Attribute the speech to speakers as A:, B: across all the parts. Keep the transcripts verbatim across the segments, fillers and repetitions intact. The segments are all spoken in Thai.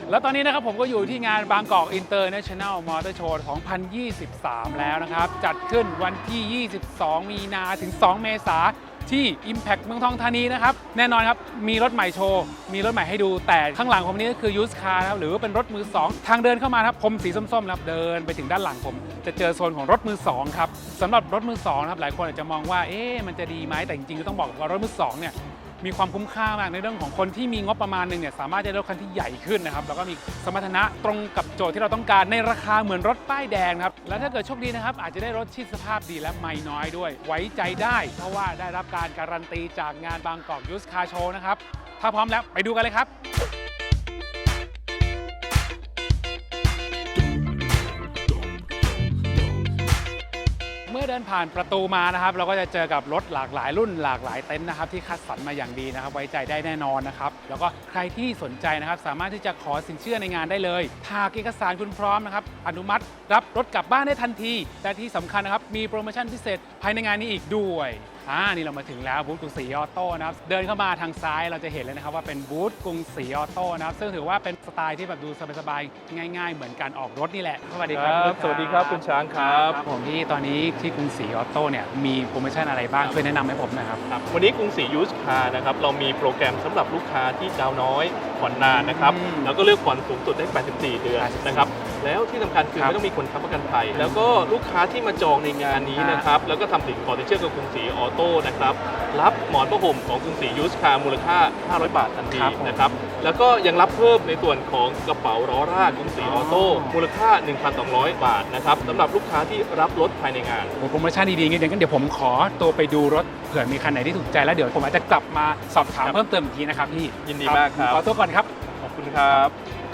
A: แล้วตอนนี้นะครับผมก็อยู่ที่งานบางกอกอินเตอร์เนชั่นแนลมอเตอร์โชว์สองพันยี่สิบสามแล้วนะครับจัดขึ้นวันที่ยี่สิบสองมีนาถึงสองเมษายนที่ Impact เมืองทองธานีนะครับแน่นอนครับมีรถใหม่โชว์มีรถใหม่ให้ดูแต่ข้างหลังผมนี้ก็คือยูสคาร์นะครับหรือว่าเป็นรถมือสองทางเดินเข้ามาครับผมสีส้มๆครับเดินไปถึงด้านหลังผมจะเจอโซนของรถมือสองครับสำหรับรถมือสองครับหลายคนอาจจะมองว่าเอ๊ะมันจะดีไหมแต่จริงๆก็ต้องบอกว่ารถมือสองเนี่ยมีความคุ้มค่ามากในเรื่องของคนที่มีงบประมาณหนึ่งเนี่ยสามารถจะได้รถคันที่ใหญ่ขึ้นนะครับแล้วก็มีสมรรถนะตรงกับโจทย์ที่เราต้องการในราคาเหมือนรถป้ายแดงครับและถ้าเกิดโชคดีนะครับอาจจะได้รถที่สภาพดีและไม่น้อยด้วยไว้ใจได้เพราะว่าได้รับการการันตีจากงานบางกอกยูสคาร์โชว์นะครับถ้าพร้อมแล้วไปดูกันเลยครับเมื่อเดินผ่านประตูมานะครับเราก็จะเจอกับรถหลากหลายรุ่นหลากหลายเต็นท์นะครับที่คัดสรรมาอย่างดีนะครับไว้ใจได้แน่นอนนะครับแล้วก็ใครที่สนใจนะครับสามารถที่จะขอสินเชื่อในงานได้เลยหากเอกสารคุณพร้อมนะครับอนุมัติรับรถกลับบ้านได้ทันทีแต่ที่สำคัญนะครับมีโปรโมชั่นพิเศษภายในงานนี้อีกด้วยอ่านี่เรามาถึงแล้วบูธกรุงศรีออโต้นะครับเดินเข้ามาทางซ้ายเราจะเห็นเลยนะครับว่าเป็นบูธกรุงศรีออโต้นะครับซึ่งถือว่าเป็นสไตล์ที่แบบดูสบายๆง่ายๆเหมือนการออกรถนี่แหละสวัสดีครับ
B: สวัสดีครับคุณช้างครับ
A: ผมที่ตอนนี้ที่กรุงศรีออโต้เนี่ยมีโปรโมชั่นอะไรบ้างช่วยแนะนำให้ผมหน่อยครับ
B: ครับวันนี้กรุงศรียูสคาร์นะครับเรามีโปรแกรมสำหรับลูกค้าที่ดาวน้อยผ่อนนานนะครับแล้วก็เลือกผ่อนสูงสุดได้แปดสิบสี่เดือนนะครับแล้วที่สำคัญคือไม่ต้องมีคนค้ำประกันภัยแล้วก็ลูกค้าที่มาจองในงานนี้นะครับแล้วก็ทำสินขอสินเชื่อกับกรุงศรีออโต้นะครับรับหมอนผ้าห่มของกรุงศรียูสคาร์มูลค่าห้าร้อยบาททันทีนะครับแล้วก็ยังรับเพิ่มในส่วนของกระเป๋าล้อรากกรุงศรีออโต้มูลค่า หนึ่งพันสองร้อย บาทนะครับสำหรับลูกค้าที่รับรถภายในงาน
A: โปรโมชั่นดีๆงั้นเดี๋ยวผมขอตัวไปดูรถเผื่อมีคันไหนที่ถูกใจแล้วเดี๋ยวผมอาจจะกลับมาสอบถามเพิ่มเติมอีกทีนะครับพี่
B: ยินดีมากครับ
A: ขอตัวก่อนครับ
B: ขอบคุณครับ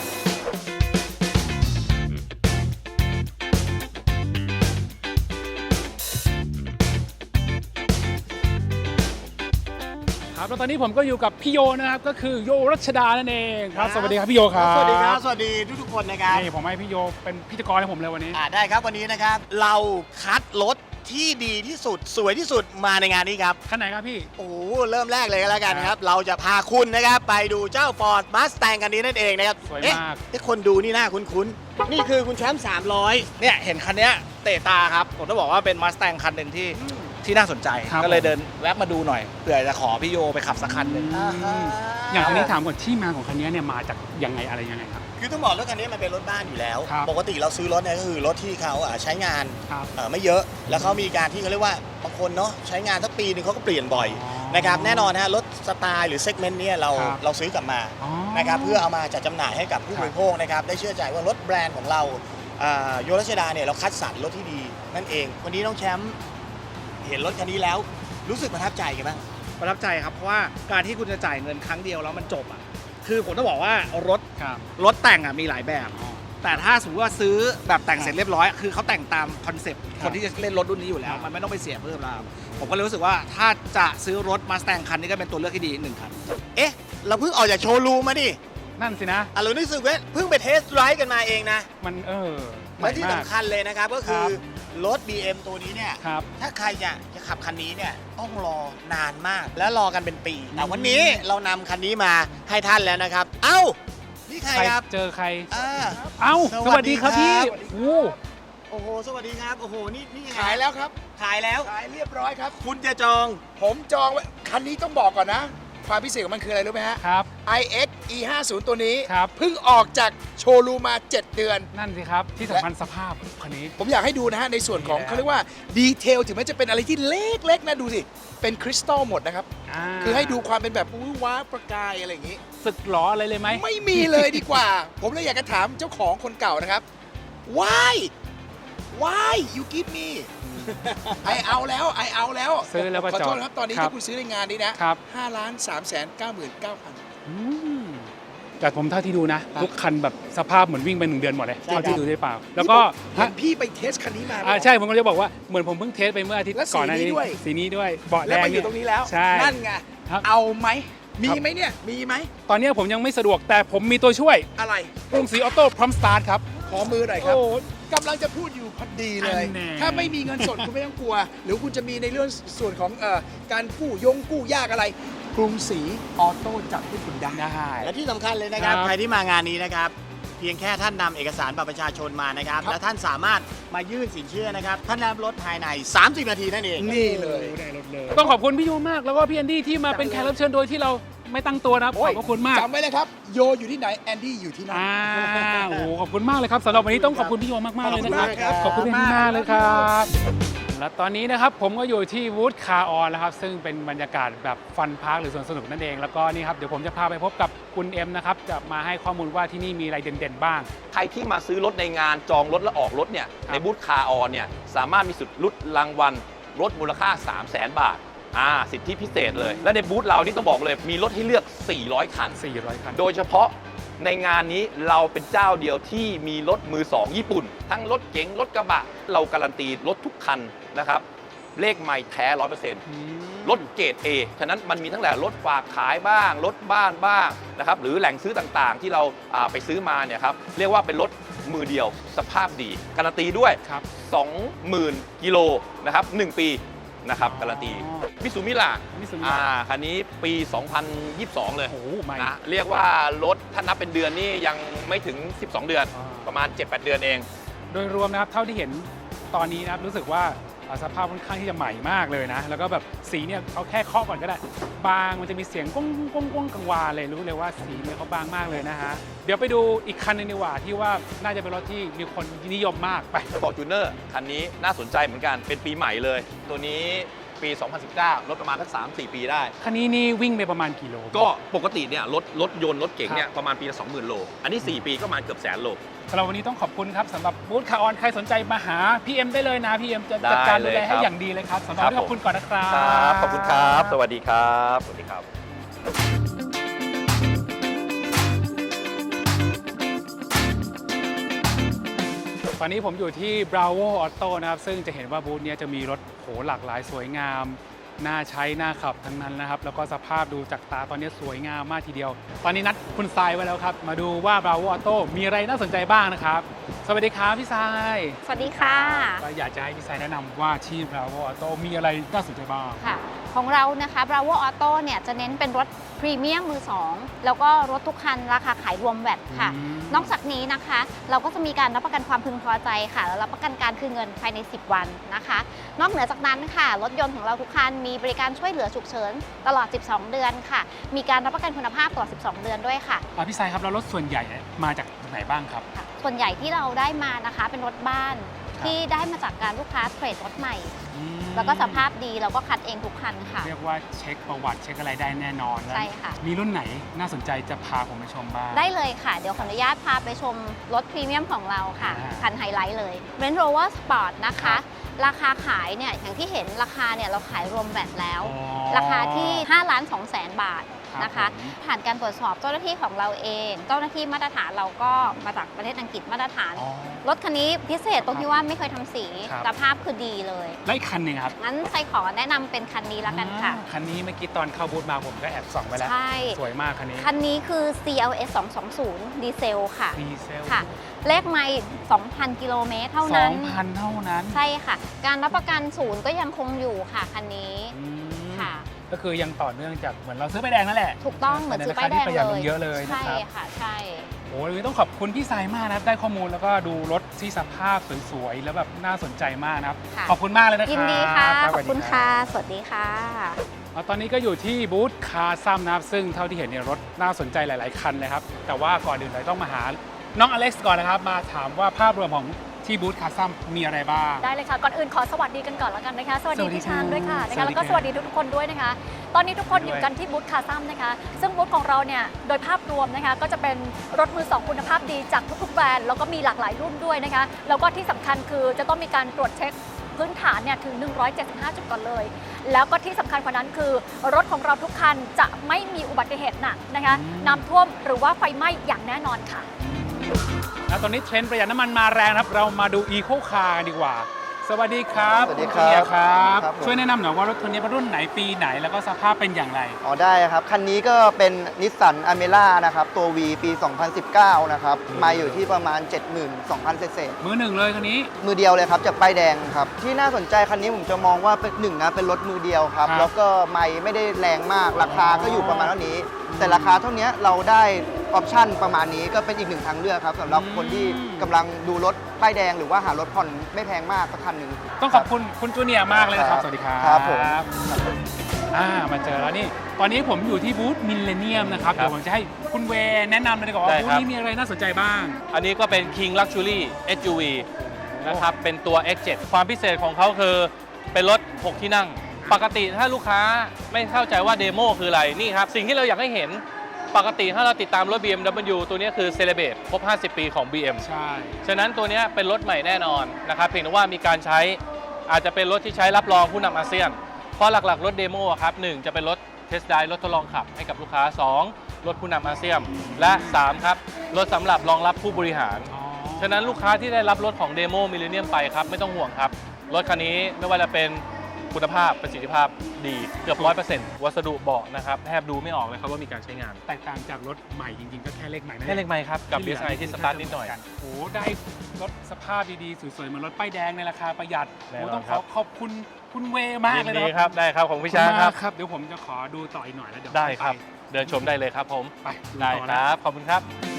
A: ครับแล้วตอนนี้ผมก็อยู่กับพี่โยนะครับก็คือโยรัชดานั่นเองครับสวัสดีครับพี่โยครับ
C: สวัสดีครับสวัสดีทุกๆคนนะครับ
A: นี่ผมให้พี่โยเป็นพิธีกรให้ผมเลยวันนี้
C: อ่าได้ครับวันนี้นะครับเราคัดรถที่ดีที่สุดสวยที่สุดมาในงานนี้ครับ
A: คันไหนครับพี่
C: โอ้เริ่มแรกเลยก็แล้วกันครับเราจะพาคุณนะครับไปดูเจ้า Ford Mustang คันนี้นั่นเองนะครับ
A: สวยมาก
C: เอ๊ะคนดูนี่น่าคุ้นๆนี่คือคุณแชมป์สามร้อย
D: เนี่ยเห็นคันนี้เตะตาครับผมต้องบอกว่าเป็น Mustang คันหนึ่งที่ที่น่าสนใจก็เลยเดินแวะมาดูหน่อยเผื่อจะขอพี่โยไปขับสักคันหนึ่ง
A: อย่างคันนี้ถามก่อนที่มาของคันนี้เนี่ยมาจากยังไงอะไรยังไงครับ
C: คือต้องบอกรถคันนี้มันเป็นรถบ้านอยู่แล้วปกติเราซื้อรถเนี่ยก็คือรถที่เขาใช้งานไม่เยอะแล้วเขามีการที่เขาเรียกว่าบางคนเนาะใช้งานสักปีนึงเขาก็เปลี่ยนบ่อยนะครับแน่นอนนะรถสไตล์หรือเซกเมนต์นี้เราเราซื้อกลับมานะครับเพื่อเอามาจัดจำหน่ายให้กับผู้บริโภคนะครับได้เชื่อใจว่ารถแบรนด์ของเราโยรัชดาเนี่ยเราคัดสรรรถที่ดีนั่นเองวันนี้น้องแชมป์เห็นรถคันนี้แล้วรู้สึกประทับใจกันบ้าง
D: ประทับใจครับเพราะว่าการที่คุณจะจ่ายเงินครั้งเดียวแล้วมันจบอ่ะคือผมต้องบอกว่ารถรถแต่งอ่ะมีหลายแบบแต่ถ้าสมมติว่าซื้อแบบแต่งเสร็จเรียบร้อยคือเขาแต่งตามคอนเซ็ปต์คนที่จะเล่นรถรุ่นนี้อยู่แล้วมันไม่ต้องไปเสียเพิ่มแล้วผมก็เลยรู้สึกว่าถ้าจะซื้อรถ Mustang คันนี้ก็เป็นตัวเลือกที่ดีหนึ่งคัน
C: เอ๊ะเราเพิ่งออกจากโชว์รูมมาดิ
A: นั่นสินะ
C: อ่ะเรารู้สึกว่าเพิ่งไปเทสไรด์กันมาเองนะ
A: มันเออ
C: และที่สำคัญเลยนะครับก็คือรถ บี เอ็ม ตัวนี้เนี่ยถ้าใครจะจะขับคันนี้เนี่ยต้องรอนานมากและรอกันเป็นปีแต่วันนี้เรานำคันนี้มาให้ท่านแล้วนะครับเอ้านี่ใครครับ
A: เจอใคร
C: เอ้า
A: สวัสดีครับพี่โอ้
C: โอ้โหสวัสดีครับโอ้โหนี่นี่
E: ขายแล้วครับ
C: ขายแล้ว
E: ขายเรียบร้อยครับ
C: คุณจะจอง
E: ผมจองคันนี้ต้องบอกก่อนนะความพิเศษของมันคืออะไรรู้ไหมฮะ
A: ครับ
E: ไอ เอ็กซ์ อี ห้าสิบ ตัวนี้
A: ครับ
E: เพิ่งออกจากโชว์รูมมาเจ็ดเดือน
A: นั่นสิครับที่สำคัญสภาพคันนี้
E: ผมอยากให้ดูนะฮะในส่วนของเขาเรียกว่าดีเทลถึงแม้จะเป็นอะไรที่เล็กๆนะดูสิเป็นคริสตัลหมดนะครับคือให้ดูความเป็นแบบว้าประกายอะไรอย่างนี้
A: สึกหรออะไรเลยไหม
E: ไม่มีเลยดีกว่า ผมเลยอยากจะถามเจ้าของคนเก่านะครับ why why you give me ไอเอาแล้วไอเอาแล้ว
A: ซื้อแล้วก็จอด
E: ขอโทษครับตอนนี้ถ้าคุณซื้อในงานนี้นะห้าล้านสามแสนเก้าหมื่นเก้าพัน
A: แต่ผมเท่าที่ดูนะทุกคันแบบสภาพเหมือนวิ่งไปหนึ่งเดือนหมดเลยเท่าที่ดูได้เปล่าแล้วก็
E: พี่ไปเทสคันนี้มา
A: อ่าใช่ผมก็จะบอกว่าเหมือนผมเพิ่งเทสไปเมื่ออาทิตย์ก่อนหน้านี้สีนี้ด้วยเบาะแดง
E: แล้วมาอยู่ตรงนี้แล้วนั่นไงเอาไหมมีไหมเนี่ยมีไหม
A: ตอนนี้ผมยังไม่สะดวกแต่ผมมีตัวช่วย
E: อะไร
A: กรุงศรีออโต้พร้อมสตาร์ทครับ
E: ขอมือหน่อยครับกำลังจะพูดอยู่พอดีเลยถ้าไม่มีเงินสดคุณไม่ต้องกลัวหรือคุณจะมีในเรื่องส่วนของเอ่อการกู้ยงกู้ยากอะไรกรุงศรีออโต้จัดให้คุณได้
A: ได้
C: และที่สำคัญเลยนะครับ
A: ครับ
C: ใครที่มางานนี้นะครับ เพียงแค่ท่านนำเอกสารบัตรประชาชนมานะครับ
E: ครับ
C: และท่านสามารถมายื่นสินเชื่อนะครับ ท่านรับรถภายใน สามสิบ นาทีนั่นเอง
E: นี่เลย
A: ต้องขอบคุณพี่โยมากแล้วก็พี่แอนดี้ที่มาเป็นแขกรับเชิญโดยที่เราไม่ตั้งตัวนะครับขอบพระคุณมาก
E: จำไว้เลยครับ โยอยู่ที่ไหน แอนดี้อยู่ที่นั่น
A: อ่าโอ้โหขอบคุณมากเลยครับสำหรับวันนี้ต้องขอบคุณพี่โยมากๆเลยนะครับ
E: ข
A: ข
E: อ
A: อ
E: บบ คุ
A: คุณ
E: ณ
A: พี่
E: มาก
A: มากเลยครับและตอนนี้นะครับผมก็อยู่ที่วูดคาร์ออนแล้วครับซึ่งเป็นบรรยากาศแบบฟันพาร์คหรือสวนสนุกนั่นเองแล้วก็นี่ครับเดี๋ยวผมจะพาไปพบกับคุณเอ็มนะครับจะมาให้ข้อมูลว่าที่นี่มีอะไรเด่นๆบ้าง
F: ใครที่มาซื้อรถในงานจองรถและออกรถเนี่ย
A: ครับ
F: ในบูธคาร์ออนเนี่ยสามารถมีสิทธิ์ลุ้นรางวัลรถมูลค่า สามแสน บาทอ่าสิทธิพิเศษเลย และในบูธเรานี่ต้องบอกเลยมีรถให้เลือก สี่ร้อย คัน
A: สี่ร้อยคัน
F: โดยเฉพาะในงานนี้เราเป็นเจ้าเดียวที่มีรถมือสองญี่ปุ่น ทั้งรถเก๋งรถกระบะ เราการันตีรถทุกคันนะครับเลขไม่แท้ ร้อยเปอร์เซ็นต์ รถเกรด A ฉะนั้นมันมีทั้งแหล่รถฝากขายบ้าง รถบ้านบ้างนะครับหรือแหล่งซื้อต่างๆ ที่เราอ่าไปซื้อมาเนี่ยครับเรียกว่าเป็นรถมือเดียวสภาพดีการันตีด้วย
A: ครับ
F: สองหมื่น กิโลนะครับหนึ่งปีนะครับการันตี
A: อ๋อ
F: มิซูมิล่า
A: มิซูมิ
F: อ่าคันนี้ปี สองพันยี่สิบสอง เลย
A: โอ้โหใหม่
F: นะเรียกว่ารถถ้านับเป็นเดือนนี่ยังไม่ถึง สิบสอง เดือน
A: อ่า
F: ประมาณ เจ็ดแปด เดือนเอง
A: โดยรวมนะครับเท่าที่เห็นตอนนี้นะครับรู้สึกว่าอ่าสภาพค่อนข้างที่จะใหม่มากเลยนะ แล้วก็แบบสีเนี่ยเขาแค่เคาะก่อนก็ได้ บางมันจะมีเสียงก้องก้องก้องกังวานเลยรู้เลยว่าสีเนี่ยเขาบางมากเลยนะฮะเดี๋ยวไปดูอีกคันหนึงดีกว่าที่ว่าน่าจะเป็นรถที่มีคนนิยมมากไป
F: ฟอร์จูเนอร์คันนี้น่าสนใจเหมือนกันเป็นปีใหม่เลย ตัวนี้ปี สองพันสิบเก้า รถประมาณสัก สามสี่ ปีได้
A: คันนี้นี่วิ่งไปประมาณกี่โล
F: ก็ปกติเนี่ยรถรถยนต์รถเก๋งเนี่
A: ค
F: ย
A: รับ
F: ประมาณปีละ สองหมื่น โล อันนี้ สี่ ปีก็ประมาณเกือบแสนโล
A: สำหรับวันนี้ต้องขอบคุณครับสำหรับบูธคาร์ออนใครสนใจมาหาพี่เอ็มได้เลยนะพี่เอ็มจะ
F: ได้
A: จัดการ
F: เล
A: ดู
F: ย
A: แลให้
F: ครับ
A: อย่างดีเลยครับสำหรับวันนี้
F: ครับ
A: ขอบคุณก่อนนะครับ
F: ครับขอบคุณครับ สวัสดีครับ สวัสดีครับ
A: ตอนนี้ผมอยู่ที่ Bravo Auto นะครับซึ่งจะเห็นว่าบูธเนี้ยจะมีรถโหหลากหลายสวยงาม น่าใช้น่าขับทั้งนั้นนะครับ แล้วก็สภาพดูจากตาตอนนี้สวยงามมากทีเดียว ตอนนี้นัดคุณทรายไว้แล้วครับ มาดูว่า Bravo Auto มีอะไรน่าสนใจบ้างนะครับ สวัสดีครับพี่ทราย
G: สวัสดีค่ะ
A: ก็อยากจะให้พี่ทรายแนะนำว่าที่ Bravo Auto มีอะไรน่าสนใจบ้าง
G: ค่ะ ของเรานะคะ Bravo Auto เนี่ยจะเน้นเป็นรถพรีเมียมมือสองแล้วก็รถทุกคันราคาขายรวมแวตค่ะ
A: อืม
G: นอกจากนี้นะคะ เราก็จะมีการรับประกันความพึงพอใจค่ะ แล้วรับประกันการคืนเงินภายใน สิบ วันนะคะ นอกเหนือจากนั้นค่ะ รถยนต์ของเราทุกคันมีบริการช่วยเหลือฉุกเฉินตลอด สิบสอง เดือนค่ะ มีการรับประกันคุณภาพตลอด สิบสอง เดือนด้วยค่ะ
A: อ่ะพี่ทรายครับแล้วรถส่วนใหญ่มาจากไหนบ้างครับ
G: ค่ะ ส่วนใหญ่ที่เราได้มานะคะเป็นรถบ้าน
A: ครับ
G: ที่ได้มาจากการลูกค้าเทรดรถใหม่
A: อืม
G: แล้วก็สภาพดีเราก็คัดเองทุกคันค่ะ
A: เรียกว่าเช็คประวัติเช็คอะไรได้แน่นอนแล้ว
G: ใช่ค่ะ
A: มีรุ่นไหนน่าสนใจจะพาผมไปชมบ้าง
G: ได้เลยค่ะ เดี๋ยวขออนุญาตพาไปชมรถพรีเมียมของเราค่ะ
A: อ่า
G: คันไฮไลท์เลย Range Rover Sport นะ
A: ครั
G: คะ
A: บ
G: ราคาขายเนี่ยอย่างที่เห็นราคาเนี่ยเราขายรวมแวตแล้ว
A: อ๋อ
G: ราคาที่ห้าล้านสองแสนบาท
A: ครับ
G: นะคะ
A: ผม
G: ผ่านการตรวจสอบเจ้าหน้าที่ของเราเอง เจ้าหน้าที่มาตรฐานเราก็มาจากประเทศอังกฤษมาตรฐาน
A: อ๋อ
G: รถคันนี้พิเศษตรงที่ว่าไม่เคยทำสี
A: ครับ
G: สภาพคือดีเลย
A: แล้วอีกคันหนึ่งครับ
G: งั้นใส่ขอแนะนำเป็นคันนี้แล้วกันค่ะ
A: อ่าคันนี้เมื่อกี้ตอนเข้าบูธมาผมก็แอบส่องไปแล้ว
G: ใช่
A: สวยมากคันนี้
G: คันนี้คือ ซี แอล เอส สองสองศูนย์ ดีเซลค่ะ
A: ดีเซล
G: ค่ะ เลขไม่สองพัน กิโลเมตรเท่า
A: สอ
G: นั้น
A: งพันเท่านั้น
G: ใช่ค่ะ การรับประกันศูนย์ก็ยังคงอยู่ค่ะคันนี้
A: อืม
G: ค่ะ
A: ก็คือยังต่อเนื่องจากเหมือนเราซื้อป้ายแดงนั่นแหละ
G: ถูกต้องเหมือนซื้อป้ายแดง
A: ในรคที่ประหยัด
G: เล
A: ล
G: ย
A: งเยอะเลยนะ
G: ใช่
A: ครับ
G: ค่ะ ใช่
A: โอ้ยวันนี้ต้องขอบคุณพี่สายมากนะครับได้ข้อมูลแล้วก็ดูรถที่สภาพสวยๆแล้วแบบน่าสนใจมากนะครับ
G: ค่ะ
A: ขอบคุณมากเลยนะครับ
G: ยินดีค่ะ
A: รับ
G: ขอบคุณ
A: สวัสดี
G: ค่ะ
A: รับ
G: สวัสดีค่ะ
A: แล้วตอนนี้ก็อยู่ที่บูธคาร์ซัมนะครับซึ่งเท่าที่เห็นเนี่ยรถน่าสนใจหลายๆคันเลยครับแต่ว่าก่อนอื่นเลยต้องมาหาน้องอเล็กซ์ก่อนนะครับมาถามว่าภาพรวมของที่บูธคาร์ซัมมีอะไรบ้าง
H: ได้เลยค่ะ ก่อนอื่นขอสวัสดีกันก่อนแล้วกันนะคะ สวัสดี
A: สวัสดี
H: พี่ชานด้วยค่ะนะ
A: สวั
H: คะ
A: สดี
H: แล้วก็
A: ครับ
H: สวัสดีทุกๆคนด้วยนะคะ ตอนนี้ทุกคนอยู่กันที่บูธคาซัมนะคะ ซึ่งบูธของเราเนี่ยโดยภาพรวมนะคะก็จะเป็นรถมือสองคุณภาพดีจากทุกๆแบรนด์แล้วก็มีหลากหลายรุ่นด้วยนะคะแล้วก็ที่สำคัญคือจะต้องมีการตรวจเช็คพื้นฐานเนี่ยถึงหนึ่งร้อยเจ็ดสิบห้าจุดก่อนเลย แล้วก็ที่สำคัญกว่านั้นคือรถของเราทุกคันจะไม่มีอุบัติเหตุหนักนะคะน้ำท่วมหรือว่าไฟไหม้อย่างแน่นอนค่ะ
A: แล้วตอนนี้เทรนด์ประหยัดน้ำมันมาแรงนะครับ เรามาดูอีโคคาร์กันดีกว่าสวัสดีครับ
I: สวัสดีครับ
A: ณเนี่ยครับ
I: ครับผม
A: ช่วยแนะนำหน่อยว่ารถคันนี้เป็นรุ่นไหนปีไหนแล้วก็สภาพเป็นอย่างไร
I: อ๋อได้ครับ คันนี้ก็เป็นนิสสันอเมร่านะครับ ตัว V ปี สองพันสิบเก้า นะครับ มาอยู่ที่ประมาณ เจ็ดหมื่นสองพัน เศษ
A: มือหนึ่งเลยคันนี้
I: ๆมือเดียวเลยครับ จากป้ายแดงครับ ที่น่าสนใจคันนี้ผมจะมองว่าเป็นหนึ่งนะเป็นรถมือเดียวครับ
A: ครับ
I: แล้วก็ไม่ไม่ได้แรงมากราคาก็อยู่ประมาณเท่านี้ แต่ราคาเท่านี้เราได้ออปชั่นประมาณนี้ก็เป็นอีกหนึ่งทางเลือกครับสำหรับคนที่กำลังดูรถป้ายแดงหรือว่าหารถผ่อนไม่แพงมากสักคันหนึ่ง
A: ต้องขอบคุณคุณจูเนียร์มากเลยนะครับ สวัสดีครับ
I: ครับผม
A: อ่ามาเจอแล้วนี่ ตอนนี้ผมอยู่ที่บูธมิลเลนเนียมนะครับ
B: ครับ
A: เดี๋ยวผมจะให้คุณเวย์แนะนำเลยดีกว่าว่า
B: ได้
A: บู
B: ครั
A: ธ
B: บ
A: นี้มีอะไรน่าสนใจบ้าง
B: อันนี้ก็เป็น King Luxury เอส ยู วี นะครับ เป็นตัว เอ็กซ์ เจ็ด ความพิเศษของเขาคือเป็นรถ หก ที่นั่ง ปกติถ้าลูกค้าไม่เข้าใจว่าเดโมคืออะไร นี่ครับ สิ่งที่เราอยากให้เห็น ปกติถ้าเราติดตามรถ บี เอ็ม ดับเบิลยู ตัวนี้คือ Celebrate ครบ ห้าสิบ ปีของ บี เอ็ม
A: ใช่
B: ฉะนั้นตัวนี้เป็นรถใหม่แน่นอนนะครับ เพียงแต่ว่ามีการใช้อาจจะเป็นรถที่ใช้รับรองผู้นำอาเซียน เพราะหลักๆ รถเดโมครับหนึ่งจะเป็นรถเทสต์ไดรถทดลองขับให้กับลูกค้า สอง รถผู้นำอาเซียน และ สาม ครับ รถสำหรับรองรับผู้บริหาร ฉะนั้นลูกค้าที่ได้รับรถของเดโมมิลเลนเนียมไปครับ ไม่ต้องห่วงครับ รถคันนี้ไม่ว่าจะเป็นคุณภาพประสิทธิภาพดีเกือบ ร้อยเปอร์เซ็นต์ วัสดุเบาะนะครับแทบดูไม่ออกเลยครับว่ามีการใช้งาน
A: แตกต่างจากรถใหม่จริงๆ ก็แค่เลขใหม่นั่น
B: แค่เล็กไหมครับกับ บี เอส ไอ ที่สตาร์ทนิดหน่อย
A: โอ้โหได้รถสภาพดีๆ สวยๆเหมือนรถป้ายแดงในราคาประหยัด
B: แน่นอน
A: โอ้ต้อง
B: ค
A: ข
B: รั
A: อบ ขอบคุณคุณเวย์มาก
B: ยิน
A: เลย
B: ดี
A: นะ
B: ครับ ได้ครับของพี่ช้างครับ
A: ขอณมกครับ เดี๋ยวผมจะขอดูต่ออีกหน่อยแล้วเดี๋ยว
B: ได้ครับ
A: ไป
B: เดินชมได้เลยครับผม
A: ไปดู
B: ได้
A: ต่อ
B: ค
A: นะ
B: รับ ขอบคุณครับ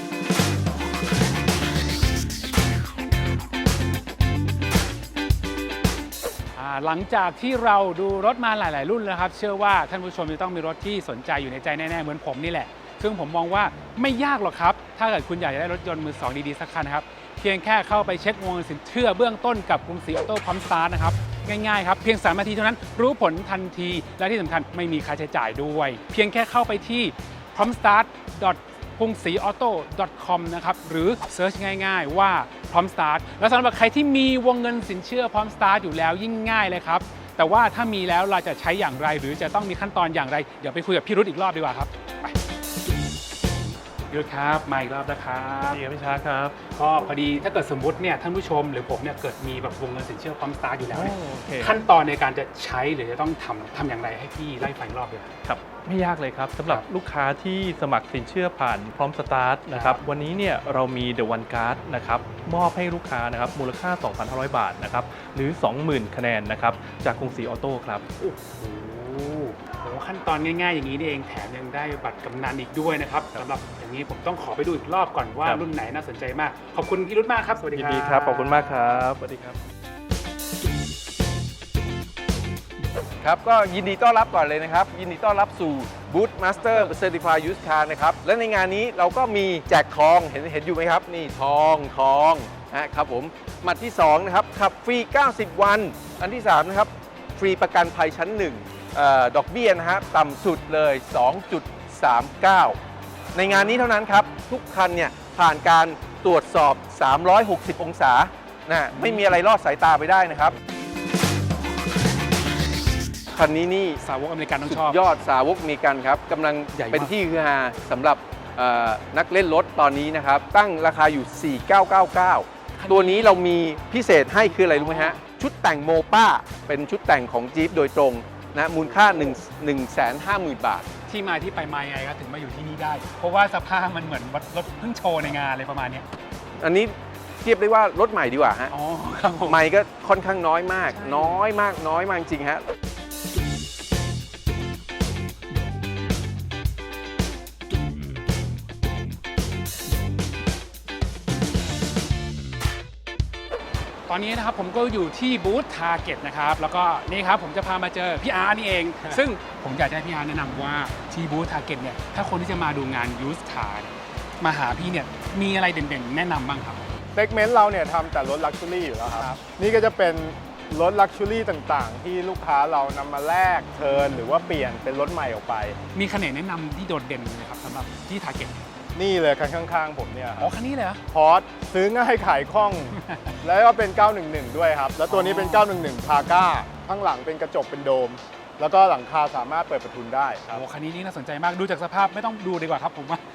A: อ่าหลังจากที่เราดูรถมาหลาย ๆ รุ่นแล้วครับ เชื่อว่าท่านผู้ชมจะต้องมีรถที่สนใจอยู่ในใจแน่ ๆ เหมือนผมนี่แหละ ซึ่งผมมองว่าไม่ยากหรอกครับ ถ้าเกิดคุณอยากจะได้รถยนต์มือสองดี ๆ สักคันนะครับ เพียงแค่เข้าไปเช็ควงเงินสินเชื่อเบื้องต้นกับกรุงศรีออโต้พร้อมสตาร์ทนะครับ ง่าย ๆ ครับ เพียงสามนาทีเท่านั้นรู้ผลทันที และที่สำคัญไม่มีค่าใช้จ่ายด้วย เพียงแค่เข้าไปที่พร้อมสตาร์ท กรุงศรีออโต้ คอม นะครับ หรือเซิร์ชง่าย ๆ ว่าพร้อมสตาร์ทแล้วสำหรับใครที่มีวงเงินสินเชื่อพร้อมสตาร์ทอยู่แล้วยิ่งง่ายเลยครับ แต่ว่าถ้ามีแล้วเราจะใช้อย่างไร หรือจะต้องมีขั้นตอนอย่างไร เดี๋ยวไปคุยกับพี่รุธอีกรอบดีกว่าครับไปพี่รุธครับมาอีกรอบนะครับ
B: ดีครับพี่ช้างครับ
A: ก็พอดีถ้าเกิดสมมติเนี่ยท่านผู้ชมหรือผมเนี่ยเกิดมีแบบวงเงินสินเชื่อพร้อมสตาร์ทอยู่แล้วเนี่ย
B: โอเค
A: ขั้นตอนในการจะใช้หรือจะต้องทำทำอย่างไรให้พี่ไล่ฟังอีกรอบเลย
B: ครับไม่ยากเลยครับสำหรับ
A: ครับ
B: ลูกค้าที่สมัครสินเชื่อผ่านพร้อมสตาร์ทนะครับวันนี้เนี่ยเรามี The One Card นะครับมอบให้ลูกค้านะครับมูลค่า สองพันห้าร้อย บาทนะครับหรือ สองหมื่น คะแนนนะครับจากกรุงศรีออโต้ครับ
A: โอ้โหโหขั้นตอนง่ายๆอย่างนี้นี่เองแถมยังได้บัตรกำนันอีกด้วยนะครับสำหรับอย่างนี้ผมต้องขอไปดูอีกรอบก่อนว่า
B: ครับ
A: รุ่นไหนน่าสนใจมาก ขอบคุณพี่รุธมากครับสวัสดี
B: ยิ
A: คน รับ
B: ดีครับขอบคุณมากครับสวัสดีครับ
F: ครับก็ยินดีต้อนรับก่อนเลยนะครับ ยินดีต้อนรับสู่ Boot Master Certified Used Car นะครับ และในงานนี้เราก็มีแจกทองเห็นเห็นอยู่ไหมครับ นี่ทองทองนะครับผมหมัดที่สองนะครับขับฟรี เก้าสิบ วัน อันที่สามนะครับฟรีประกันภัยชั้นหนึ่งเอ่อดอกเบี้ยนะฮะต่ำสุดเลย สองจุดสามเก้า ในงานนี้เท่านั้นครับ ทุกคันเนี่ยผ่านการตรวจสอบ สามร้อยหกสิบ องศานะไม่มีอะไรลอดสายตาไปได้นะครับคันนี้นี่
A: สาวกอเมริกันต้อง
F: สุ
A: ชอบ
F: ดยอดสาวกอเมริกันครับกำลัง
A: ใหญ่มาก
F: เป็นที่ฮือฮาสำหรับเอ่อนักเล่นรถตอนนี้นะครับ ตั้งราคาอยู่ สี่พันเก้าร้อยเก้าสิบเก้า ตัวนี้เรามีพิเศษให้คืออะไรรู้ไหมฮะ ชุดแต่งโมป้าเป็นชุดแต่งของจี๊ปโดยตรงนะมูลค่า หนึ่งแสนห้าหมื่น บาท
A: ที่มาที่ไปมายังไงครับถึงมาอยู่ที่นี่ได้ เพราะว่าสภาพมันเหมือนรถเพิ่งโชว์ในงานอะไรประมาณเนี้ย
F: อันนี้เทียบได้ว่ารถใหม่ดีกว่าฮะ
A: อ๋อครับผม
F: ใหม่ก็ค่อนข้างน้อยมาก
A: ใช่
F: น้อยมากน้อยมากจริงฮะ
A: ตอนนี้นะครับผมก็อยู่ที่บูธทาร์เก็ตนะครับแล้วก็นี่ครับผมจะพามาเจอพี่อาร์นี่เอง ซึ่งผมอยากจะให้พี่อาร์แนะนำว่าที่บูธทาร์เก็ตเนี่ยถ้าคนที่จะมาดูงานยูสคาร์มาหาพี่เนี่ยมีอะไรเด่นๆแนะนำบ้างครับ
J: เซกเมนต์เราเนี่ยทำแต่รถลักชัวรี่อยู่แล้วครับ นี่ก็จะเป็นรถลักชัวรี่ต่างๆ ที่ลูกค้าเรานำมาแลกเทิร์นหรือว่าเปลี่ยนเป็นรถใหม่ออกไป
A: มีคันไหนแนะนำที่โดดเด่นเลยครับสำหรับที่ทาร์เก็ต
J: นี่เลยคันข้างๆ ผมเนี่ยค
A: อ๋อ
J: รับ
A: คันนี้เลยเหรอ
J: พอร์ตซื้อง่ายขายคล่อง แล้วก็เป็น เก้าหนึ่งหนึ่ง ด้วยครับ แล้วตัวนี้เป็น เก้าหนึ่งหนึ่ง พาก้าข้างหลังเป็นกระจกเป็นโดม แล้วก็หลังคาสามารถเปิดประทุนได้ครับ
A: โอ้คันนี้นี่น่าสนใจมากดูจากสภาพไม่ต้องดูดีกว่าครับผมว่า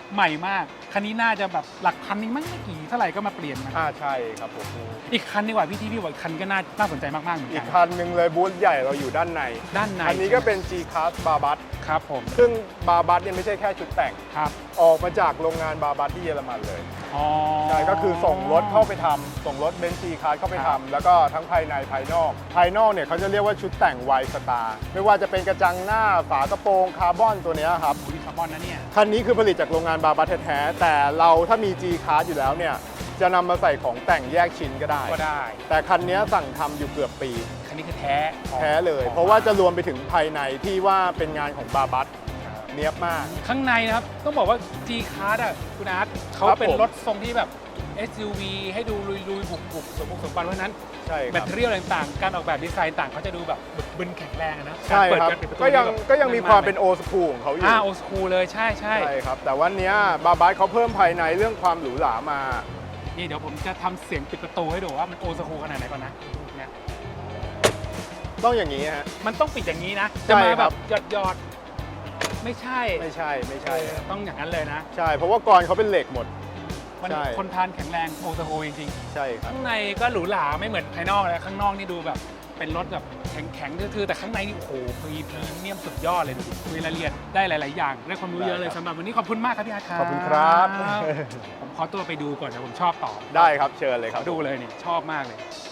A: ใหม่มากคันนี้น่าจะแบบหลักพันนี้มั้งไม่กี่เท่าไหร่ก็มาเปลี่ยนนะ
J: อ่าใช่ครับผม
A: อีกคันดีกว่าพี่ที่พี่บอกอีกคันก็น่าน่าสนใจมากๆเหมือน
J: อี
A: กั
J: ก
A: น
J: คันหนึ่งเลยบูธใหญ่เราอยู่ด้านใน
A: ด้านใน
J: อันนี้ก็เป็น G-Class บาบัส
A: ครับผม
J: ซึ่งบาบัสเนี่ยไม่ใช่แค่ชุดแต่ง
A: ครับ
J: ออกมาจากโรงงานบาบัสที่เยอรมันเลย
A: อ๋อ
J: ใช่ก็คือส่งรถเข้าไปทำส่งรถเบนซ์ G-Class เข้าไป
A: ครับ
J: ทำแล้วก็ทั้งภายในภายนอก ภายนอกเนี่ยเขาจะเรียกว่าชุดแต่งไวสตาร์ไม่ว่าจะเป็นกระจังหน้าฝากระโปรงคาร์บอนตัวเนี้ยครับ
A: อุ้ยคาร์บอนนะเนี่ย
J: คันนี้คือผลิตจากโรงงานบาบัสแท้ๆแต่เราถ้ามี G-Class อยู่แล้วเนี่ยจะนำมาใส่ของแต่งแยกชิ้นก็ได้
A: ก็ได้
J: แต่คันนี้สั่งทำอยู่เกือบปี
A: คันนี้คือแท้ของ
J: แท้เลย
A: ของ
J: เพราะว่าจะรวมไปถึงภายในที่ว่าเป็นงานของบาบัสเนียบมาก
A: ข้างในนะครับต้องบอกว่า G-Class อ่ะคุณอาร์ตเขา
J: ครับ
A: เป็น
J: ผม
A: รถทรงที่แบบ เอส ยู วี ให้ดูลุยๆบุกๆสมบุกสมบันเพราะฉะนั้น
J: ใช่ค
A: แบ
J: รั
A: ต
J: บ
A: เตอรี่อะไรต่างๆ การออกแบบดีไซน์ต่างเขาจะดูแบบบึนๆแข็งแรงอะนะ
J: ใช่
A: กาเปิด
J: ครับ
A: การปิดประตู
J: ก็ยัง
A: นี่แบบ
J: ก็ยังมีความเป็นโอสคูลของเขาอยู่
A: อ่าโอสคูลเลยใช่ใช่
J: ใช่ครับ แต่วันเนี้ยบาบัสเขาเพิ่มภายในเรื่องความหรูหรามา
A: นี่เดี๋ยวผมจะทำเสียงปิดประตูให้ดูว่ามันโอสคูลขนาดไหนก่อนนะเนี่ย
J: ต้องอย่างนี้ฮะ
A: มันต้องปิดอย่างนี้นะ
J: ใช่
A: จะมา
J: ค
A: แบ
J: รั
A: บบ หยอดๆไม่ใช่
J: ไม่ใช่ไม่ใช่
A: เออต้องอย่างนั้นเลยนะ
J: ใช่ เพราะว่ากรเขาเป็นเหล็กหมด
A: มัน
J: ใช่
A: คนทานแข็งแรงโอสคูลจริงๆ
J: ใช่ครับ
A: ข้างในก็หรูหราไม่เหมือนภายนอกเลยข้างนอกนี่ดูแบบเป็นรถแบบแข็งๆทื่อๆแต่ข้างในนี่โอ้โหพรีพรีเมียมสุดยอดเลยดูดิคุยรายละเอียดได้หลาย ๆ อย่างได้ความรู้เยอะเลย
J: ได้ครับ
A: สำหรับวันนี้ขอบคุณมากครับพี่อาร์ตครับ
J: ขอบคุณครับ
A: ผมขอตัวไปดูก่อนนะผมชอบต่อ
J: ได้ครับเชิญเลย
A: ข
J: ครั
A: อบ ดูเลยนี่ชอบมากเลย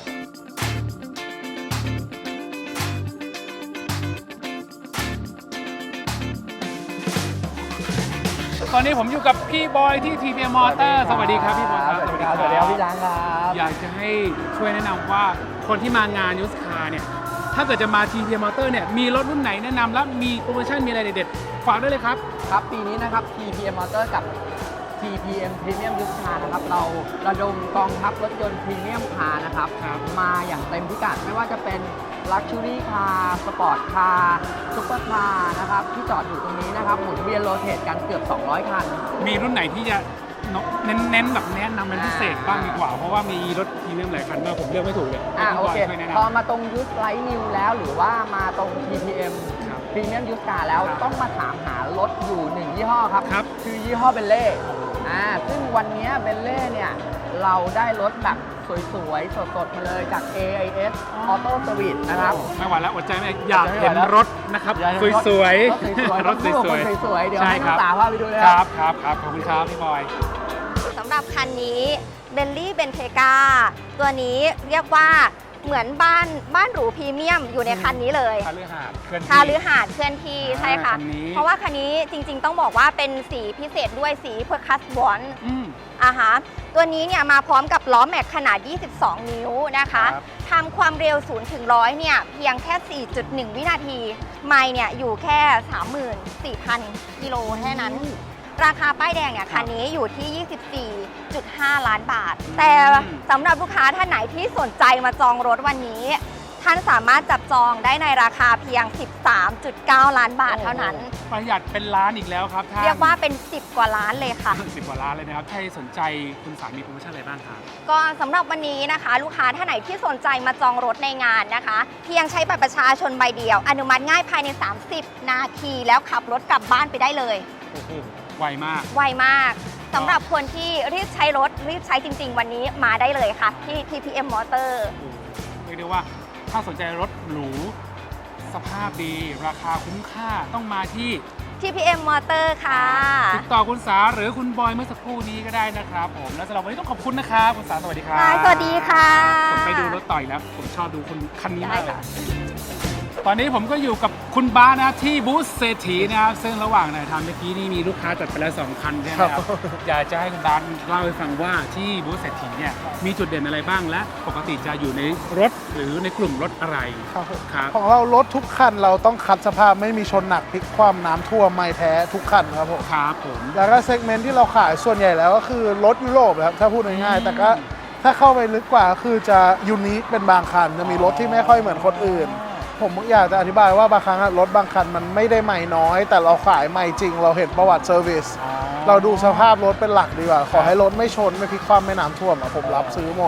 A: ตอนนี้ผมอยู่กับพี่บอยที่ ที พี เอ็ม Motor สวัสดีครับพี่บอยครับ
I: สวัสดีครับสวัสดีครับพี่ช้างครับ
A: อยากจะให้ช่วยแนะนำว่าคนที่มางานยูสคาร์เนี่ยถ้าเกิดจะมา ที พี เอ็ม Motor เนี่ยมีรถรุ่นไหนแนะนำและมีโปรโมชั่นมีอะไรเด็ดๆฝากด้วยเลยครับ
K: ครับปีนี้นะครับ ที พี เอ็ม Motor กับ ที พี เอ็ม Premium Used Car นะครับเราระดมกองทัพรถยนต์พรีเมียมคาร์นะครับ
A: ครับ
K: มาอย่างเต็มพิกัดไม่ว่าจะเป็น Luxury Car Sport Car Super Car นะครับที่จอดอยู่ตรงนี้นะครับหมุนเวียนโรเตทกันเกือบ สองร้อย คัน
A: มีรุ่นไหนที่จะเน้นๆแบบแนะนำเป็นพิเศษบ้างดีกว่า เพราะว่ามีรถพรีเมียมหลายคันมากผมเลือกไม่ถูกเลย
K: อ่า
A: ให้
K: โอ
A: พี่บอย
K: เค
A: ช่วยแนะ
K: พอน
A: ำ
K: มาตรง Used Light New แล้วหรือว่ามาตรง ที พี เอ็ม
A: ครับ
K: Premium Used Car แล้ว
A: ครับ
K: ต้องมาถามหารถอยู่หนึ่งยี่ห้อครับ
A: ครับ
K: คือยี่ห้อเบลเล่อ่าซึ่งวันนี้เบลเล่เนี่ยเราได้รถแบบสวยๆ สดๆ มาเลยจาก เอ ไอ เอส Auto Service นะครับ
A: ไม่ไหวแล้วอดใจไม่ได้อยากเห็นรถนะครับ
K: อยากเห็น
A: สวย
K: รถสวยๆ
A: ๆ
K: รถสวยๆสวยๆเดี๋ยว
A: ใช่
K: ให้
A: ค
K: น้อ
A: รับ
K: งสาวพาไปดูเลย
A: ค
K: ค
A: รั
K: รั
A: บบ ครับครับขอบคุณครับพี่บอย
G: สำหรับคันนี้เบนลี่เบนเทกาตัวนี้เรียกว่าเหมือนบ้านบ้านหรูพรีเมียมอยู่ในคันนี้เลย
A: คาลือหาดเคลื่อนที่
G: คาลือหาดเคลื่อนที่
A: อ่า
G: ใช่ค่ะ
A: คันนี้
G: เพราะว่าคันนี้จริง ๆ ต้องบอกว่าเป็นสีพิเศษด้วยสีเพอร์คัสบอน
A: อืม
G: อ่าฮะตัวนี้เนี่ยมาพร้อมกับล้อแม็กขนาด ยี่สิบสอง นิ้วนะคะ
A: ครับ
G: ทำความเร็วศูนย์ถึงร้อยเนี่ยเพียงแค่ สี่จุดหนึ่ง วินาที ไมล์เนี่ยอยู่แค่ สามหมื่นสี่พัน กิโลแค่นั้น ราคาป้ายแดงเนี่ยคันนี้อยู่ที่ ยี่สิบสี่จุดห้า ล้านบาท แต่สำหรับลูกค้าท่านไหนที่สนใจมาจองรถวันนี้ ท่านสามารถจับจองได้ในราคาเพียง สิบสามจุดเก้า ล้านบาทเท่านั้น
A: ประหยัดเป็นล้านอีกแล้วครับท่าน
G: เรียกว่าเป็น สิบ กว่าล้านเลยค่ะ
A: สิบกว่าล้านเลยนะครับใครสนใจคุณสามีโปรโมชั่นอะไรบ้างครับ
G: ก็สำหรับวันนี้นะคะ ลูกค้าท่านไหนที่สนใจมาจองรถในงานนะคะ เพียงใช้บัตรประชาชนใบเดียว อนุมัติง่ายภายใน สามสิบ นาทีแล้วขับรถกลับบ้านไปได้เลย
A: ไวมาก
G: ไวมากสำหรับคนที่รีบใช้รถรีบใช้จริง ๆ วันนี้มาได้เลยค่ะ ที่ ที พี เอ็ม Motor
A: เรียกได้ว่าถ้าสนใจรถหรูสภาพดี ราคาคุ้มค่าต้องมาที่
G: ที พี เอ็ม Motor ค่ะ
A: ติดต่อคุณสาหรือคุณบอยเมื่อสักครู่นี้ก็ได้นะครับผมและสำหรับวันนี้ต้องขอบคุณนะครับคุณสาสวัสดีครับ
G: ได้สวัสดีค่ะ
A: ผมไปดูรถต่ออีกแล้วผมชอบดูคนคันนี้มากเล
G: ได้
A: ย
G: ค่ะ
A: ตอนนี้ผมก็อยู่กับคุณบ้าสนะครับที่บูธเศรษฐีนะครับซึ่งระหว่างไหนทำเมื่อกี้นี่มีลูกค้าจัดไปแล้วสองคันใช่ไหมครับอยากจะให้คุณบ้าสเล่าให้ฟังว่าที่บูธเศรษฐีเนี่ยมีจุดเด่นอะไรบ้างและปกติจะอยู่ในรถหรือในกลุ่มรถอะไร
L: ครับผม
A: ครับ
L: ของเรารถทุกคันเราต้องคัดสภาพไม่มีชนหนักพลิกคว่ำน้ำท่วมไม่แท้ทุกคันครับผม
A: ครับผม
L: แล้วก็เซกเมนต์ที่เราขายส่วนใหญ่แล้วก็คือรถยุโรปครับถ้าพูดง่าย
A: อืม
L: ๆแต่ก็ถ้าเข้าไปลึกกว่าก็คือจะยูนิคเป็นบางคัน จะมีรถที่ไม่ค่อยเหมือนคนอื่น ผมอยากจะอธิบายว่าบางครั้งอะรถบางคันมันไม่ได้ใหม่น้อย แต่เราขายใหม่จริง เราเห็นประวัติเซอร์วิส
A: อ๋อ
L: เราดูสภาพรถเป็นหลักดีกว่า ขอให้รถไม่ชนไม่พลิกคว่ำไม่น้ำท่วมอะผมรับซื้อหมด
A: โอ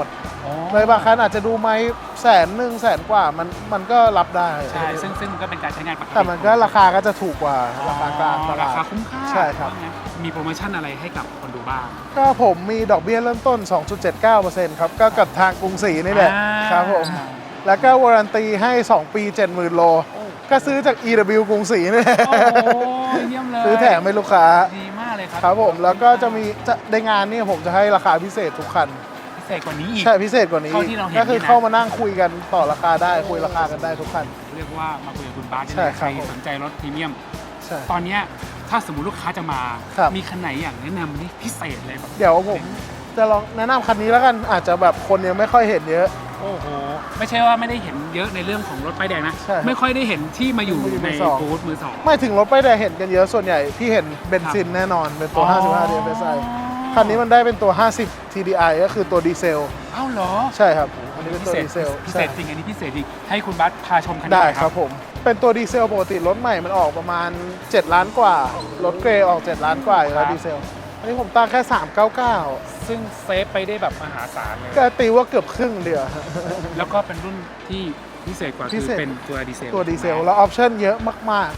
L: เลยบางคันอาจจะดูไหมแสนหนึ่งแสนกว่ามันมันก็รับได้
A: ใช่ซึ่งซึ่งก็เป็นการใช้งานปกติ
L: แต่มันก็ราคาก็จะถูกกว่าราคากลางต
A: รา
L: ลาด
A: คาคุ้มค่า
L: ใช่ครับ
A: ว่างั้นมีโปรโมชั่นอะไรให้กับคนดูบ้าง
L: ก็ผมมีดอกเบี้ยเริ่มต้น สองจุดเจ็ดเก้าเปอร์เซ็นต์ ครับ ก็กับทางกรุงศรีนี่แหละ
A: อ่า
L: ครับผม แล้วก็วารันตีให้ สอง ปี เจ็ดหมื่น โล ก็ซื้อจาก อี ดับเบิลยู กรุงศรีนี่แหละ
A: โอ้โหเยี่ยมเลย
L: ซื้อแถมให้ลูกค้า
A: ดีมากเลยครับ
L: ครับผม แล้วก็จะมีจะในงานนี่ผมจะให้ราคาพิเศษทุกคัน
A: พิเศษกว่านี้อีก
L: ใช่พิเศษกว่านี้
A: เท่าที่เราเห็น
L: ก็คือ
A: นี่นะ
L: เข้ามานั่งคุยกันต่อราคาได้คุยราคากันได้ทุกคัน
A: เรียกว่ามาคุยกับคุณบาสได้
L: ใช่
A: เลย
L: ค
A: ใค
L: รั
A: ร
L: บผม
A: สนใจรถพรีเมียม
L: ใช่
A: ตอนเนี้ยถ้าสมมติลูกค้าจะมา
L: ครับ
A: มีคันไหนอย่างแนะนำนี่พิเศษเลยแบบ
L: เดี๋ยวผมจะลองแนะนำคันนี้แล้วกันอาจจะแบบคนยังไม่ค่อยเห็นเยอะ
A: โอ้โห ไม่ใช่ว่าไม่ได้เห็นเยอะในเรื่องของรถป้ายแดงนะ
L: ใช่
A: ไม่ค่อยได้เห็นที่มาอยู่
L: มาอยู่
A: ใน
L: มือสอง
A: บูธมือสอง
L: ไม่ถึงรถป้ายแดงเห็นกันเยอะส่วนใหญ่ที่เห็นเบนซินแน่นอนเป็นตัว
A: อ๋อ
L: ห้าสิบห้า ดี เอฟ เอส ไอ คันนี้มันได้เป็นตัว ห้าสิบ ที ดี ไอ ก็คือตัวดีเซล
A: อ้าวเหรอ
L: ใช่ครับ อันนี้เป็น
A: พิ
L: ตัว
A: เศษ
L: ดีเซล
A: พิเศษจริงอันนี้พิเศษจริงให้คุณบัสพาชมคันนี้
L: ได้
A: หน่อย
L: ครับผม เป็นตัวดีเซลปกติรถใหม่มันออกประมาณ เจ็ด ล้านกว่า รถเกรย์ออก เจ็ด ล้านกว่าอยู่แล้วดีเซล อันนี้ผมตั้งแค่ สามเก้าเก้า
A: ซึ่งเซฟไปได้แบบมหาศาลเลย
L: ก็ตีว่าเกือบครึ่งเดียว
A: แล้วก็เป็นรุ่นที่พิเศษกว่า
L: พิ
A: คือ
L: เศษ
A: เป็นตัวดีเซล
L: ตัวดีเซล แล้วออปชั่นเยอะมาก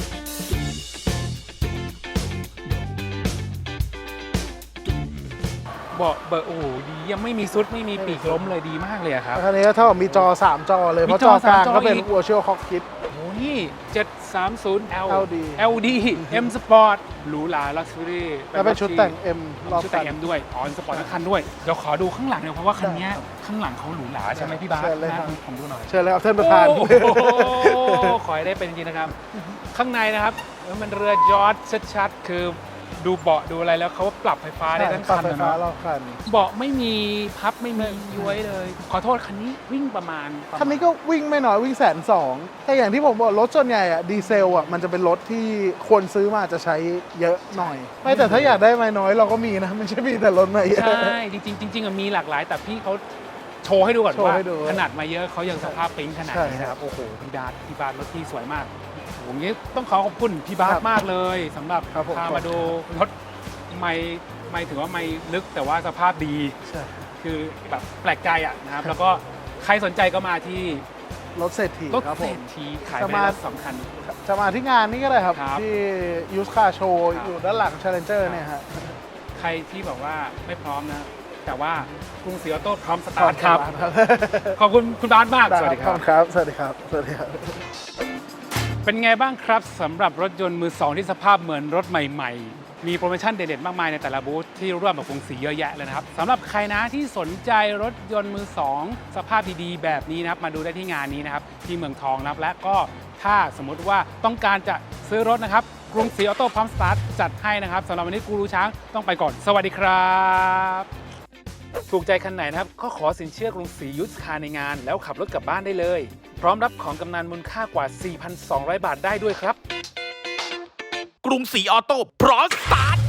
A: เบาะเบอร์โอ้โหดียังไม่มีซุดไม่มีปีกล้มเลยดีมากเลยอะครับ
L: ๆคันนี้ก็เท่ากับมีจอ สาม จอเลย เพราะ
A: มี
L: จ
A: จ
L: อ
A: อก
L: ลาง
A: สามจอ
L: ก็เป็น
A: อีก
L: Virtual Cockpit
A: โอ้โหนี่เจ็ดสามศูนย์ L
L: แอล ดี
A: แอล ดี M Sport หรูหราลักชัวรี่
L: แล้วเป็นชุดแต่ง M รอบ
A: ชุดแต่ง
L: คัน
A: M ด้วยอ๋อ M Sport ทั้งคันด้วยเดี๋ยวขอดูข้างหลังหน่อยเพราะว่าคันเนี้ยข้างหลังเขาหรูหราใช่ไหมพี่บาส
L: เชิญเลยครับ
A: นะผมดูหน่อย
L: เชิญเลยครับท่านประธาน
A: โอ้โหขอให้ได้เป็นจริงๆนะครับ ข้างในนะครับเออมันเรือยอชต์ชัดๆคือดูเบาะดูอะไรแล้วเขาปรับไฟฟ้าได้ทั้ง
L: ปรับ
A: คัน
L: ไฟ
A: นะ
L: ฟ้า
A: เนาะ
L: รอบคัน
A: เบาะไม่มีพับไม่มีย้วยเลย ขอโทษคันนี้วิ่งประมาณประมาณ
L: คันนี้ก็วิ่งไม่น้อยวิ่งแสนสองแต่อย่างที่ผมบอกรถส่วนใหญ่อะดีเซลอะมันจะเป็นรถที่คนซื้อมาจะใช้เยอะหน่อย ไม่แต่ถ้าอยากได้ไม่น้อยเราก็มีนะ ไม่ใช่มีแต่รถมาเยอะ
A: ใช่ จริงๆจริงๆอะมีหลากหลาย แต่พี่เขาโชว์ให้ดูก่อน
L: โชว์
A: ว่า
L: ให้ดู
A: ขนาดมาเยอะเขายังสภาพปิ๊งขนาด
L: ใช่
A: นี้นะครับ โอ้โห พี่บาสพี่บาสรถที่สวยมากผมนี้ต้องขอขอบคุณพี่บาส
L: ครับ
A: มากเลยสำหรับ
L: ครับผม
A: พามาดูรถไม่ไม่ถือว่าไม่ลึกแต่ว่าสภาพดี
L: ใช่
A: คือแบบแปลกใจอ่ะนะครับ แล้วก็ใครสนใจก็มาที่
L: รถเศรษฐี
A: รถ
L: ครับ
A: เศ
L: ผ
A: ร
L: ม
A: ษฐีขาย
L: จะ
A: ไป
L: มา
A: แล้วสองคัน
L: จะมาที่งานนี้ก็ได้ครับ
A: ครับ
L: ที่ยูสคาโชว์
A: ครับ
L: อยู่ด้านหลัง Challenger เนี่ยฮะ
A: ใครที่บอกว่าไม่พร้อมนะ แต่ว่ากรุงศรีออโต้พร้อมสตาร์ทครับ ขอบคุณคุณบาสมาก สวัสดีครับ
L: ครับ สวัสดีครับ สวัสดีครับ
A: เป็นไงบ้างครับสำหรับรถยนต์มือสองที่สภาพเหมือนรถใหม่ๆ มีโปรโมชั่นเด็ดๆ มากมายในแต่ละบูธที่ร่วมกับกรุงศรีเยอะแยะเลยนะครับสำหรับใครนะที่สนใจรถยนต์มือสองสภาพดีๆ แบบนี้นะครับมาดูได้ที่งานนี้นะครับที่เมืองทองนะครับและก็ถ้าสมมุติว่าต้องการจะซื้อรถนะครับกรุงศรีออโต้พร้อมสตาร์ทจัดให้นะครับสำหรับวันนี้กูรูช้างต้องไปก่อน สวัสดีครับถูกใจคันไหนนะครับก็ขอสินเชื่อกรุงศรียุทธคาร์ในงาน แล้วขับรถกลับบ้านได้เลย พร้อมรับของกำนันมูลค่ากว่า สี่พันสองร้อย บาทได้ด้วยครับ
M: กรุงศรีออโต้พร้อมสตาร์ท